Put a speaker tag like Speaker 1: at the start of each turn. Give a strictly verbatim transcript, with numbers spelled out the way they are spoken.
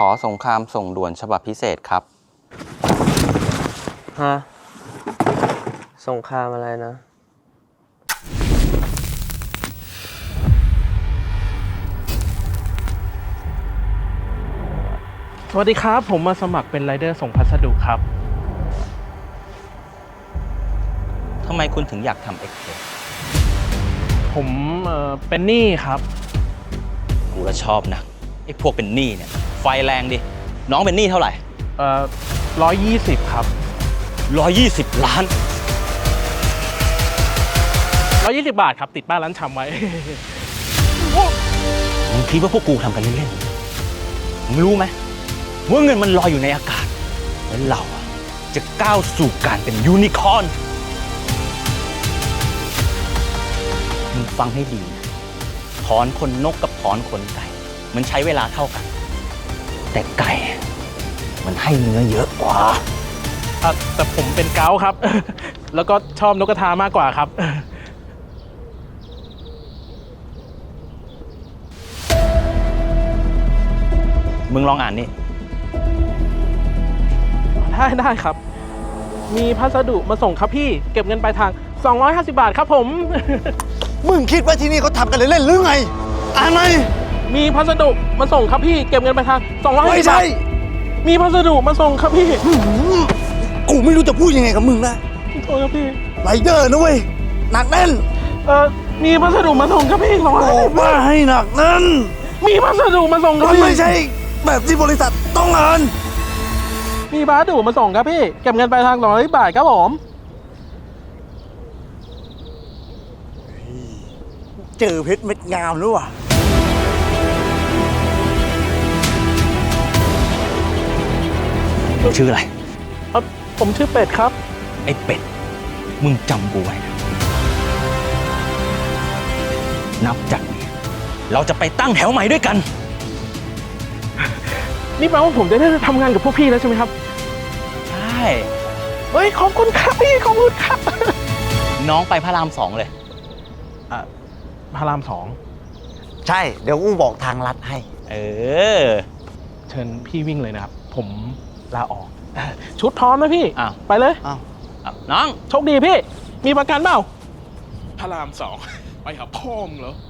Speaker 1: อสงครามส่งด่วนฉบับพิเศษครับ
Speaker 2: ฮะสงครามอะไรนะ
Speaker 3: สวัสดีครับผมมาสมัครเป็นไรเดอร์ส่งพัสดุครับ
Speaker 1: ทำไมคุณถึงอยากทำเอ็กเพรส
Speaker 3: ผมเอ่อเป็นหนี้ครับ
Speaker 1: กูก็ชอบนะไอ้พวกเป็นหนี้เนี่ยไฟแรงดิน้องเป็นหนี้เท่าไหร่
Speaker 3: เอ่อร้อยยี่สิบครับ
Speaker 1: ร้อยยี่สิบล้าน
Speaker 3: ร้อยยี่สิบบาทครับติดป้ายร้านชำไว้
Speaker 1: มึงคิดว่าพวกกูทำกันเล่นๆมึงรู้ไหมว่าเงินมันลอยอยู่ในอากาศแล้วเราจะก้าวสู่การเป็นยูนิคอร์นมึงฟังให้ดีนะถอนขนนกกับถอนขนไก่มันใช้เวลาเท่ากันแต่ไก่มันให้เนื้อเยอะกว่า
Speaker 3: อ่ะแต่ผมเป็นเกาต์ครับ แล้วก็ชอบนกกระทามากกว่าครับ
Speaker 1: มึงลองอ่านนี่
Speaker 3: ได้ได้ครับมีพัสดุมาส่งครับพี่เก็บเงินปลายทางสองร้อยห้าสิบบาทครับผม
Speaker 4: มึงคิดว่าที่นี่เขาทำกันเล่นๆหรือไงอ่านไหม
Speaker 3: มีพัสดุมาส่งครับพี่เก็บเงินปลายทางสองร้อยห้าสิบบาทมีพัสดุมาส่งครับพี่
Speaker 4: กูไม่รู้จะพูดยังไงกับมึงนะ
Speaker 3: โทษครับพี่
Speaker 4: ไรเดอร์นะเว้ยหนักแน่น
Speaker 3: เอ่อมีพัสดุมาส่งครับพี่สองร้อยห้าสิบบาท
Speaker 4: ว่าให้หนักแน่น
Speaker 3: มีพัสดุมาส่งครับ
Speaker 4: มัน
Speaker 3: พี่
Speaker 4: ไม่ใช่แบบที่บริษัทต้องอ่าน
Speaker 3: มีพัสดุมาส่งครับพี่เก็บเงินปลายทางสองร้อยบาทครับผม
Speaker 4: เจอเพชรเม็ดงามหรือวะ
Speaker 1: มึงชื่ออะไร
Speaker 3: เอ่อผมชื่อเป็ดครับ
Speaker 1: ไอ้เป็ดมึงจำกูไว้นะนับจากนี้เราจะไปตั้งแถวใหม่ด้วยกัน
Speaker 3: นี่แปลว่าผมจะได้ทำงานกับพวกพี่แล้วใช่ไหมครับ
Speaker 1: ใช่
Speaker 3: เฮ้ยขอบคุณครับพี่ขอบคุณครับ
Speaker 1: น้องไปพระรามสองเลย
Speaker 3: อ่ะพระรามสอง
Speaker 4: ใช่เดี๋ยวกูบอกทางลัดให้
Speaker 1: เออ
Speaker 3: เชิญพี่วิ่งเลยนะครับผมลาออกชุดพร้อมนะพี่
Speaker 1: อ้าว
Speaker 3: ไปเลย
Speaker 1: อ้าวน้อง
Speaker 3: โชคดีพี่มีประกันเปล่าพระรามสองไปหาพ่อมึงเหรอ